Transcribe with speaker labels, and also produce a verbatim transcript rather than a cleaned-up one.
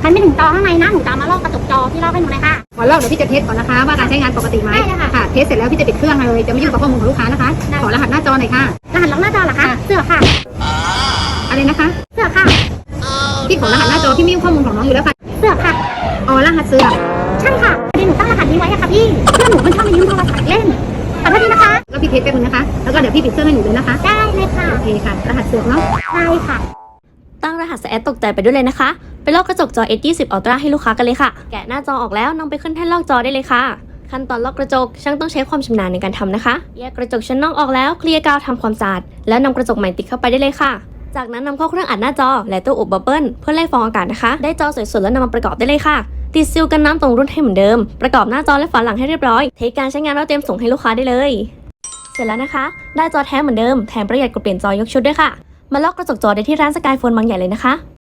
Speaker 1: มันไม่ถึงจอข้างในนะหนูจะมาลอกกระจกจอที่ลอกให้หนูเลยค่ะ
Speaker 2: ขอลอกเดี๋ยวพี่จะเทสก่อนนะคะว่าการใช้งานปกติไหม
Speaker 1: ได้เลยค่ะ
Speaker 2: ค่ะเทสเสร็จแล้วพี่จะปิดเครื่องเลยจะไม่ยุ่งกับข้อมูลของลูกค้านะคะขอรหัสหน้าจอหน่อยค่ะ
Speaker 1: รหัสล็อกหน้าจอเหรอคะเสือค่ะ
Speaker 2: อะไรนะคะ
Speaker 1: เสือค่ะ
Speaker 2: พี่ขอรหัสหน้าจอพี่ไม่ยุ่งข้อมูลของน้องอยู่แล้วค่ะ
Speaker 1: เสือค่ะ
Speaker 2: อ๋อรหัสเสือ
Speaker 1: ใช่ค่ะพอดีหนูตั้งรหัสนี้ไว้อะค่ะพี่เพื่อนหนูมันชอบมายืมโทรศัพท์เล่นขอโทษทีนะคะ
Speaker 2: แล้วพี่เทสแป๊บนึงนะคะแล้วก็เดี๋ยวพี่ปิดเครื่องให้หนูเลยนะคะ
Speaker 1: ได้เลยค่ะ
Speaker 2: โอเคค่ะรหัสเสือเนาะ
Speaker 1: ได้ค่ะ
Speaker 3: ตั้งรหัสแอดตกใจไปด้วยเลยนะคะไปลอกกระจกจอ เอส ยี่สิบ Ultra ให้ลูกค้ากันเลยค่ะแกะหน้าจอออกแล้วนำไปขึ้นแท่นลอกจอได้เลยค่ะขั้นตอนลอกกระจกช่างต้องใช้ความชำนาญในการทำนะคะแยกกระจกชั้นนอกออกแล้วเคลียร์กาวทำความสะอาดแล้วนำกระจกใหม่ติดเข้าไปได้เลยค่ะจากนั้นนำเข้าเครื่องอัดหน้าจอและตู้อบบับเบิ้ลเพื่อไล่ฟองอากาศนะคะได้จอสวยๆแล้วนำมาประกอบได้เลยค่ะติดซีลกันน้ำตรงรุ่นให้เหมือนเดิมประกอบหน้าจอและฝาหลังให้เรียบร้อยเทคการใช้งานแล้วเตรียมส่งให้ลูกค้าได้เลยเสร็จแล้วนะคะได้จอแท้เหมือนเดิมแถมประหยัดกว่าเปลี่ยนจอยกชุดด้วยค่ะมาลอกกระจกจอได้ที่ร้านสกายโฟนบางใหญ่เลยนะคะ